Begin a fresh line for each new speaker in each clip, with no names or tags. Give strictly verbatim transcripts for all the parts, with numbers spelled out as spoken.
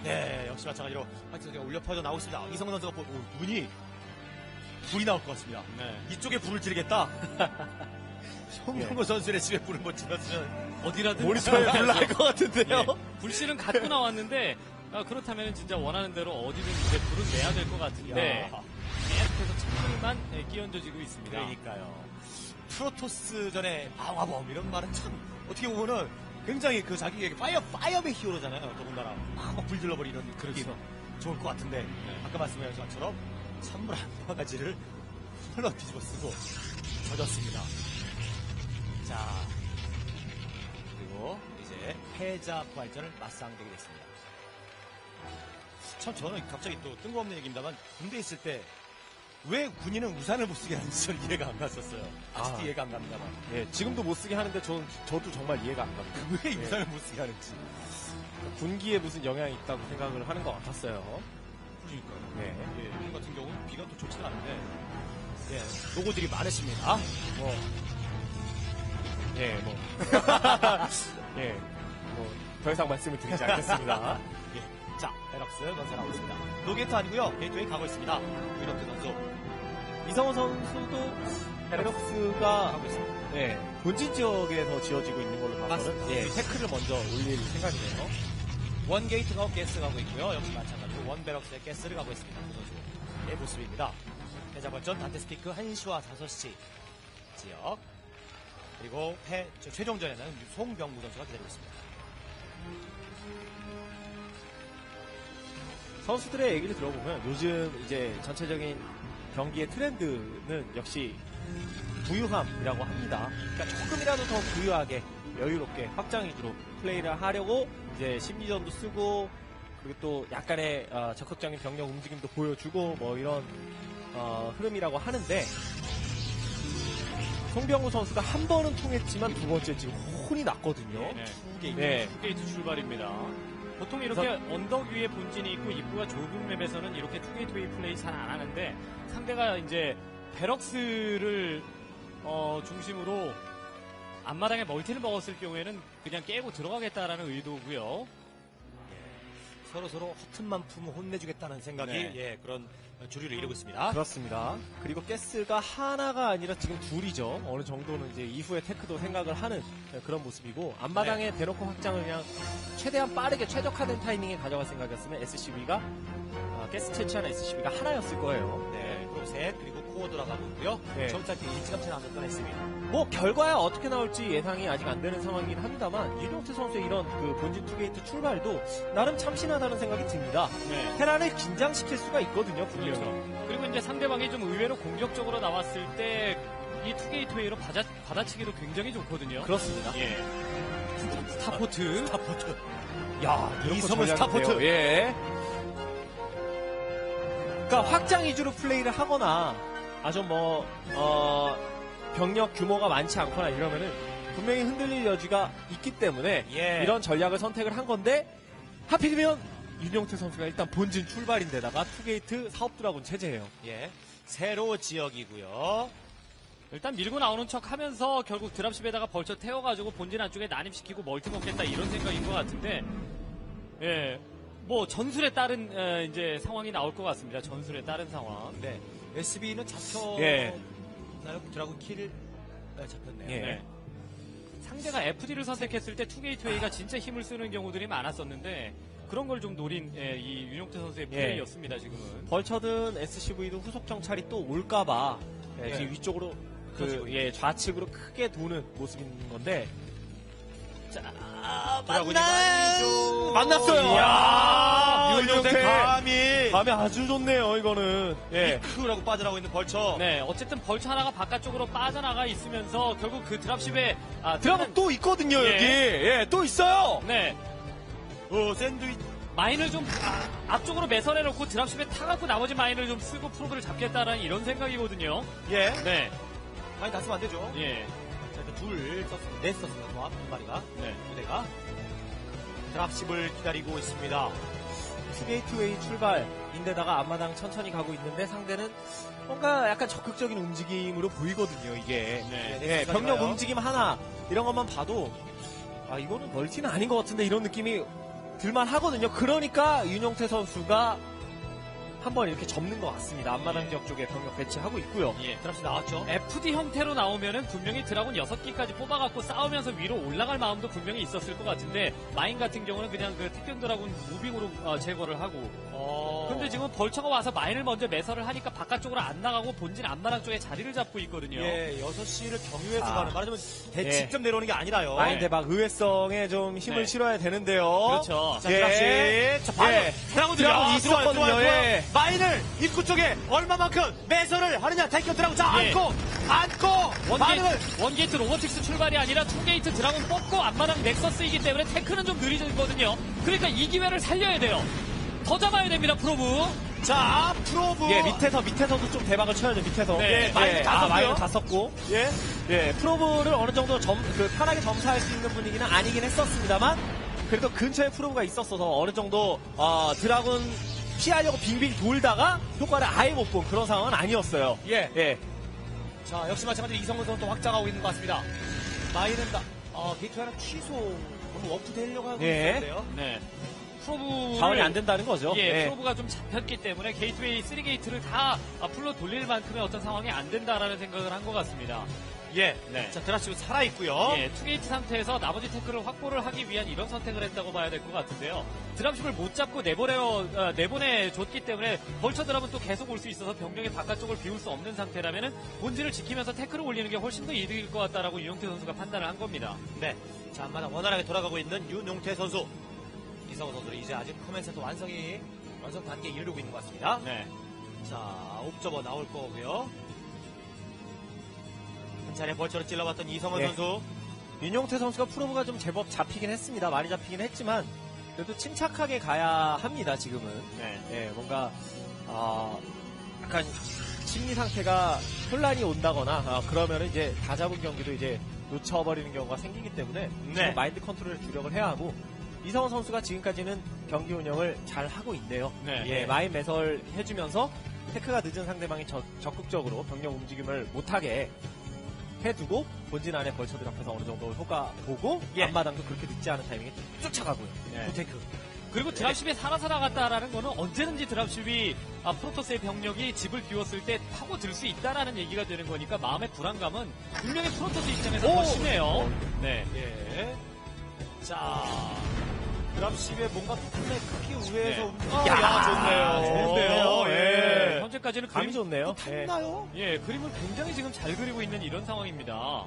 네, 역시 마찬가지로 화이트가 울려 퍼져 나오고 있습니다. 이성훈 선수가 보, 오, 눈이 불이 나올 것 같습니다.
네.
이쪽에 불을 지르겠다. 송병구 예. 선수의 집에 불을 못 질렀으면
어디라든
모니터에 불 날 것 같은데요.
예. 불씨는 갖고 나왔는데 아, 그렇다면 진짜 원하는 대로 어디든 이제 불은 내야 될 것 같은데 계속해서 창문만 끼얹어지고 있습니다.
그러니까요. 프로토스전에 방화범 이런 말은 참 어떻게 보면은 굉장히 그 자기에게 파이어 파이어맨 히어로잖아요. 더군다나 막 불 질러버리는 그렇게 좋을 것 같은데 네. 아까 말씀하신 것처럼 찬물 한 바가지를 흘러 뒤집어 쓰고 젖었습니다. 자, 그리고 이제 패자 부활전을 맞상대게 됐습니다. 참 저는 갑자기 또 뜬금없는 얘기입니다만 군대에 있을 때 왜 군인은 우산을 못 쓰게 하는지 저는 이해가 안 갔었어요. 아직도 아, 이해가 안 갑니다만.
예, 지금도 못 쓰게 하는데 저는, 저도 정말 이해가 안 갑니다.
왜
예.
우산을 못 쓰게 하는지.
군기에 무슨 영향이 있다고 생각을 하는 것 같았어요.
그러니까요.
네.
예, 군 같은 경우는 비가 또 좋지가 않은데, 예, 노고들이 많으십니다. 뭐,
예, 뭐. 예, 뭐, 더 이상 말씀을 드리지 않겠습니다.
예. 자, 베럭스 건설하고 있습니다. 노게이트 아니고요 게이트웨이 가고 있습니다. 유럽트 선수.
이성호 선수도 베럭스가
가고 있습니다.
네, 본진 지역에서 지어지고 있는 걸로 봐서는 예, 태클을 먼저 올릴 생각이네요.
원 게이트가 가스 가고 있고요. 역시 마찬가지로 원 베럭스의 가스를 가고 있습니다. 그 선수의 모습입니다. 패자벌전 단테스피크 한 시와 다섯 시 지역. 그리고 패, 최종전에는 송병구 선수가 기다리고 있습니다.
선수들의 얘기를 들어보면 요즘 이제 전체적인 경기의 트렌드는 역시 부유함이라고 합니다. 그러니까 조금이라도 더 부유하게 여유롭게 확장 위주로 플레이를 하려고 이제 심리전도 쓰고 그리고 또 약간의 어, 적극적인 병력 움직임도 보여주고 뭐 이런 어, 흐름이라고 하는데 송병구 선수가 한 번은 통했지만 두 번째 지금 혼이 났거든요.
네,
두 게이트.
네.
투게이트 출발입니다. 보통 이렇게 그래서, 언덕 위에 본진이 있고 입구가 좁은 맵에서는 이렇게 투게이트웨이 플레이 잘 안 하는데 상대가 이제 베럭스를 어, 중심으로 앞마당에 멀티를 먹었을 경우에는 그냥 깨고 들어가겠다라는 의도고요.
서로 서로 허튼만 품을 혼내주겠다는 생각이
네.
예, 그런 주류를 이루고 있습니다.
그렇습니다. 그리고 가스가 하나가 아니라 지금 둘이죠. 어느 정도는 이제 이후에 테크도 생각을 하는 그런 모습이고 앞마당에
네.
대놓고 확장을 그냥 최대한 빠르게 최적화된 타이밍에 가져갈 생각이었으면 에스씨비가 아, 가스 채취하는 에스씨비가 하나였을 거예요.
네, 그리고 셋 그리고 코어 들어가고 있고요.
네.
점차 일찌감치 나왔던 에스비.
뭐 결과야 어떻게 나올지 예상이 아직 안 되는 상황이긴 합니다만 윤용태 선수의 이런 그 본진 투게이트 출발도 나름 참신하다는 생각이 듭니다.
네.
테란을 긴장시킬 수가 있거든요, 분명히.
그렇죠. 그리고 이제 상대방이 좀 의외로 공격적으로 나왔을 때 이 투게이트웨이로 받아, 받아치기도 굉장히 좋거든요.
그렇습니다.
예. 스타포트.
스타포트.
야,
이성은 스타포트.
예. 그러니까 확장 위주로 플레이를 하거나 아주 뭐 어, 병력 규모가 많지 않거나 이러면은 분명히 흔들릴 여지가 있기 때문에
예.
이런 전략을 선택을 한 건데 하필이면 윤용태 선수가 일단 본진 출발인데다가 투게이트 사업드라군 체제예요.
예. 세로 지역이고요.
일단 밀고 나오는 척 하면서 결국 드랍십에다가 벌쳐 태워가지고 본진 안쪽에 난입시키고 멀티 먹겠다 이런 생각인 것 같은데, 예. 뭐 전술에 따른 에, 이제 상황이 나올 것 같습니다. 전술에 따른 상황.
네. 에스비는 잡혀.
예.
나요? 드라군 킬 네, 잡혔네요.
예.
네. 상대가 에프디를 선택했을 때 투게이트웨이가 진짜 힘을 쓰는 경우들이 많았었는데 그런 걸 좀 노린 예, 이 윤용태 선수의 플레이였습니다. 예. 지금은.
벌처든 에스씨브이도 후속 정찰이 또 올까봐 예,
예.
지금 위쪽으로 그 예, 좌측으로 크게 도는 모습인 건데.
자,
만나
만나죠.
만났어요.
이야,
윤용태
감이
감이 아주 좋네요. 이거는 예.
크라고 빠져나오고 있는 벌처.
네, 어쨌든 벌처 하나가 바깥쪽으로 빠져나가 있으면서 결국 그 드랍십에 아,
드랍은 또 있거든요.
예.
여기 예, 또 있어요.
네,
어, 샌드위치.
마인을 좀 아, 앞쪽으로 매설해놓고 드랍십에 타갖고 나머지 마인을 좀 쓰고 프로브를 잡겠다라는 이런 생각이거든요.
예.
네,
많이 다 쓰면 안 되죠.
예,
자, 일단 둘 썼습니다. 넷 썼습니다. 조합 한 마리가.
네.
두 대가. 드랍십을 기다리고 있습니다.
투게이트웨이 출발인데다가 앞마당 천천히 가고 있는데 상대는 뭔가 약간 적극적인 움직임으로 보이거든요. 이게
네.
예, 병력 움직임 하나 이런 것만 봐도 아 이거는 멀티는 아닌 것 같은데 이런 느낌이 들만 하거든요. 그러니까 윤용태 선수가 한번 이렇게 접는 것 같습니다. 앞마당 지역 쪽에 병력 배치하고 있고요.
예.
드랍십 나왔죠.
에프디 형태로 나오면은 분명히 드라군 여섯 기까지 뽑아갖고 싸우면서 위로 올라갈 마음도 분명히 있었을 것 같은데 마인 같은 경우는 그냥 그 택견 드라군 무빙으로 어, 제거를 하고
어.
근데 지금 벌처가 와서 마인을 먼저 매설을 하니까 바깥쪽으로 안 나가고 본진 앞마당 쪽에 자리를 잡고 있거든요.
예, 여섯 시를 경유해서
아.
가는 말하자면 대
예.
직접 내려오는 게 아니라요.
마인 대박 의외성에 좀 힘을
네.
실어야 되는데요.
그렇죠.
자,
예.
드랍십. 자, 바로
예.
드라군
드라군
들어가.
있었거든요.
좋아요, 좋아요, 좋아요.
예.
마인을 입구 쪽에 얼마만큼 매설을 하느냐. 택견 드라군. 자,
예.
안고, 안고, 반응을.
원게이트, 원게이트 로보틱스 출발이 아니라 투게이트 드라군 뽑고 앞마당 넥서스이기 때문에 테크는 좀 느리거든요. 그러니까 이 기회를 살려야 돼요. 더 잡아야 됩니다, 프로브.
자, 프로브.
예, 밑에서, 밑에서도 좀 대박을 쳐야죠, 밑에서.
네,
예,
마인을
예,
다
아,
썼고요.
마인을 다 썼고.
예.
예, 프로브를 어느 정도 점, 그, 편하게 점사할 수 있는 분위기는 아니긴 했었습니다만, 그래도 근처에 프로브가 있었어서 어느 정도, 어, 드라군 피하려고 빙빙 돌다가 효과를 아예 못 본 그런 상황은 아니었어요.
예.
예.
자, 역시 마찬가지로 이성훈 선수도 확장하고 있는 것 같습니다. 마인은 다, 어, 게이트 하나 취소, 너무 워프되려고 하고
예.
있는데요.
네. 프로브를
자원이 안 된다는 거죠.
예,
예.
프로브가 좀 잡혔기 때문에 게이트웨이 쓰리 게이트를 다 풀로 돌릴 만큼의 어떤 상황이 안 된다라는 생각을 한 것 같습니다.
예.
네.
자, 드랍십 살아있고요.
예, 투게이트 상태에서 나머지 태클을 확보를 하기 위한 이런 선택을 했다고 봐야 될 것 같은데요. 드랍십을 못 잡고 내보내어, 어, 내보내줬기 때문에 벌처 드랍은 또 계속 올 수 있어서 병력의 바깥쪽을 비울 수 없는 상태라면은 본질을 지키면서 태클을 올리는 게 훨씬 더 이득일 것 같다라고 유영태 선수가 판단을 한 겁니다.
네. 자, 앞마당 원활하게 돌아가고 있는 윤용태 선수. 이성훈 선수는 이제 아직 커맨센터 완성이, 완성 단계에 이르고 있는 것 같습니다.
네.
자, 옵저버 나올 거고요. 한 차례 벌처로 찔러봤던 이성훈
예.
선수.
윤용태 선수가 프로브가 좀 제법 잡히긴 했습니다. 많이 잡히긴 했지만, 그래도 침착하게 가야 합니다, 지금은.
네.
예, 뭔가, 아, 약간, 심리 상태가 혼란이 온다거나, 아, 그러면 이제 다 잡은 경기도 이제 놓쳐버리는 경우가 생기기 때문에,
네.
지금 마인드 컨트롤에 주력을 해야 하고, 이성훈 선수가 지금까지는 경기 운영을 잘 하고 있네요.
네.
예, 마인 매설 해주면서, 테크가 늦은 상대방이 적, 적극적으로 병력 움직임을 못하게 해두고, 본진 안에 벌처들 앞에서 어느 정도 효과 보고,
예.
앞마당도 그렇게 늦지 않은 타이밍에 쫓아가고요.
네.
부테크.
그리고 드랍십이 살아 살아갔다라는 거는 언제든지 드랍십이 아, 프로토스의 병력이 집을 비웠을 때 타고 들 수 있다라는 얘기가 되는 거니까 마음의 불안감은 분명히 프로토스 입장에서 더
오!
심해요. 네.
예. 자, 드랍십에 뭔가 부품의 크기 우회해서
네.
움직이
야,
야, 좋은데요.
좋은데요.
예.
네, 현재까지는
감이
그림,
좋네요. 예.
탔나요?
예, 그림을 굉장히 지금 잘 그리고 있는 이런 상황입니다.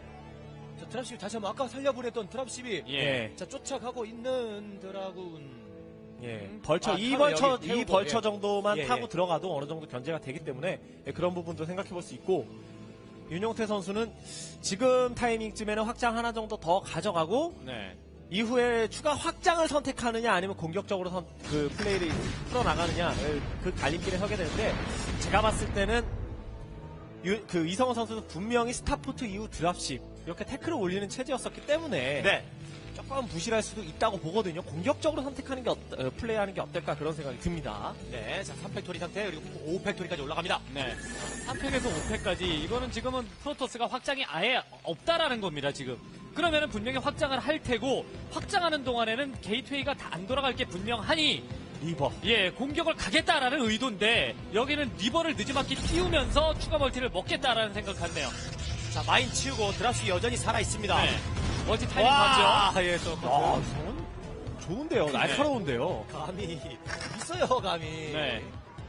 자, 드랍십 다시 한번 아까 살려보냈던 드랍십이
예.
예.
자, 쫓아가고 있는 드라군.
예.
음.
벌처,
아,
이
타고
벌처,
여기
이
태우고,
벌처
예.
정도만
예,
타고
예.
들어가도 어느 정도 견제가 되기 때문에 예, 그런 부분도 생각해 볼 수 있고, 윤용태 선수는 지금 타이밍쯤에는 확장 하나 정도 더 가져가고,
네.
이후에 추가 확장을 선택하느냐 아니면 공격적으로 선, 그 플레이를 풀어나가느냐, 그 갈림길에 서게 되는데, 제가 봤을 때는 유, 그 이성호 선수는 분명히 스타포트 이후 드랍십, 이렇게 태클을 올리는 체제였었기 때문에,
네.
조금 부실할 수도 있다고 보거든요. 공격적으로 선택하는 게 어떠, 어, 플레이하는 게 어떨까 그런 생각이 듭니다.
네. 자, 삼 팩토리 상태, 그리고 오 팩토리까지 올라갑니다.
네. 삼 팩에서 오 팩까지 이거는 지금은 프로토스가 확장이 아예 없다라는 겁니다, 지금. 그러면은 분명히 확장을 할 테고 확장하는 동안에는 게이트웨이가 다 안 돌아갈 게 분명하니
리버.
예, 공격을 가겠다라는 의도인데 여기는 리버를 늦지막히 띄우면서 추가 멀티를 먹겠다라는 생각 같네요.
자, 마인 치우고 드랍십이 여전히 살아있습니다.
네. 멀티 타이밍
와,
봤죠?
예, 또.
아, 이성은 좋은데요. 날카로운데요.
감이 있어요, 감이.
네.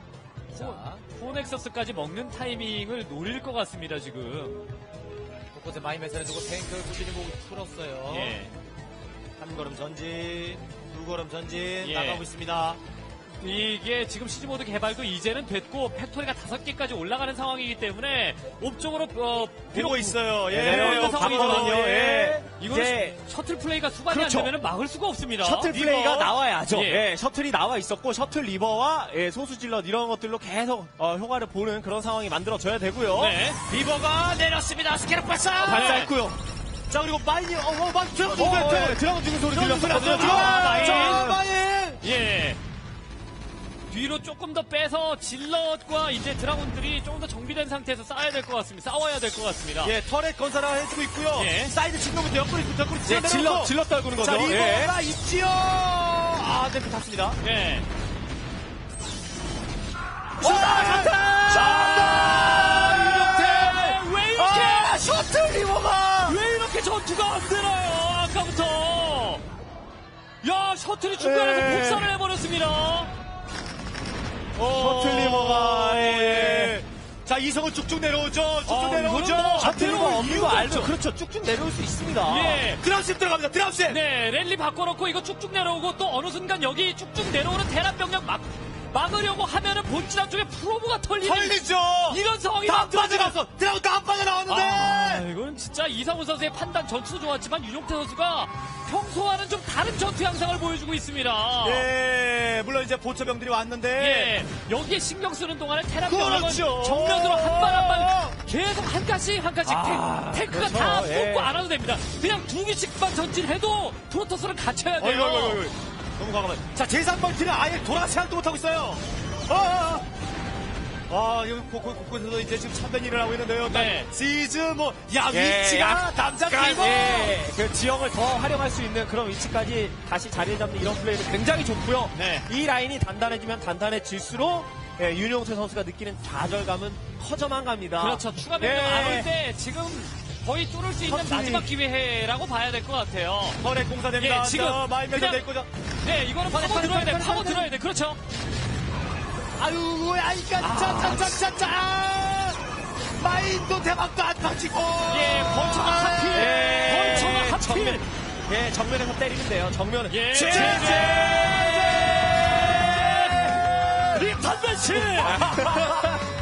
자,
포넥서스까지 먹는 타이밍을 노릴 것 같습니다, 지금.
곳곳에 마인 매설해 두고 탱크 꾸준히 보고 풀었어요.
예.
한 걸음 전진, 두 걸음 전진
예.
나가고 있습니다.
이게 지금 시즈모드 개발도 이제는 됐고 팩토리가 다섯 개까지 올라가는 상황이기 때문에 옵쪽으로 어,
보고 있어요. 예,
내려오는
예,
상황이거든요.
봤거든요. 예.
이건
이제
셔틀 플레이가 수반이
그렇죠.
안 되면 막을 수가 없습니다.
셔틀
리버.
플레이가 나와야죠.
예.
예, 셔틀이 나와 있었고 셔틀 리버와 예, 소수질럿 이런 것들로 계속 어, 효과를 보는 그런 상황이 만들어져야 되고요.
네.
리버가 내렸습니다. 스케럽 발사.
발사했고요.
자, 그리고 마인이 어, 어, 마인 드라곤
어, 어,
어,
예, 드라곤 죽은 소리
드라곤
들렸어요.
들렸어요.
아, 마인.
자, 마인.
예. 뒤로 조금 더 빼서 질럿과 이제 드라곤들이 조금 더 정비된 상태에서 싸워야 될 것 같습니다. 싸워야 될 것 같습니다.
예, 터렛 건설을 해주고 있고요.
예.
사이드 친구부터 옆구리 옆구리
예,
치어내놓고
질럿 질럿 떨구는
자,
거죠. 예.
리버가 있지요. 아, 네, 탔습니다.
예.
자,
왜 이렇게
아, 셔틀 리버가
왜 이렇게 전투가 안 되나요? 아까부터. 야, 셔틀이 중간에서
네.
복사를 해버렸습니다.
셔틀 리버가, 예. 자, 이성은 쭉쭉 내려오죠. 쭉쭉
아,
내려오죠.
이거는 뭐
셔틀리버
내려올
없는 거
이유가
알죠?
없죠.
그렇죠. 쭉쭉 내려올 수 있습니다.
예.
드랍십 들어갑니다. 드랍십.
네, 랠리 바꿔놓고 이거 쭉쭉 내려오고 또 어느 순간 여기 쭉쭉 내려오는 대란 병력 막, 막으려고 하면은 본진 안쪽에 프로브가 털리는
털리죠.
이런 상황이
다
만들어지면-
빠져나왔어. 드라곤 다 빠져나왔는데.
아, 이건 진짜 이상훈 선수의 판단 전투도 좋았지만 윤용태 선수가 평소와는 좀 다른 전투 양상을 보여주고 있습니다.
예, 물론 이제 보초병들이 왔는데.
예, 여기에 신경 쓰는 동안에 테란 병력은
그렇죠.
정면으로 한 발 한 발 계속 한 칸씩 한 칸씩
아,
탱, 탱크가
그렇죠.
다
예.
뽑고 안 와도 됩니다. 그냥 두 개씩만 전진해도 프로토스는 갇혀야 돼요.
어이구, 어이구, 어이구. 너무 과감해. 자, 제삼 멀티는 아예 돌아 생각도 못하고 있어요. 아, 아, 아. 아, 여기 곳곳, 곳곳에서 이제 지금 참된 일을 하고 있는데요.
네.
시즈, 뭐, 야,
예,
위치가 남자 길고.
예, 그 지형을 더 활용할 수 있는 그런 위치까지 다시 자리를 잡는 이런 플레이는 굉장히 좋고요.
네.
이 라인이 단단해지면 단단해질수록 예, 윤용태 선수가 느끼는 좌절감은 커져만 갑니다.
그렇죠. 추가 병력
예.
안 올 때 지금 거의 뚫을 수 있는
선수들이-
마지막 기회라고 봐야 될 것 같아요.
터렛 공사됩니다.
예, 지금
마인면서
그냥-
내거죠.
네, 이거는 파고
빨리,
들어야 돼.
빨리,
파고
빨리,
들어야 돼. 그렇죠.
아유, 아이까, 짜, 짜, 짜, 짜, 짜. 마인도 대박도 안 터지고.
예, 벌처가 하필.
예,
벌처가 하필.
정면, 예, 정면에서 때리면 돼요. 정면은.
예.
제,
제-
제.
립탄 매치!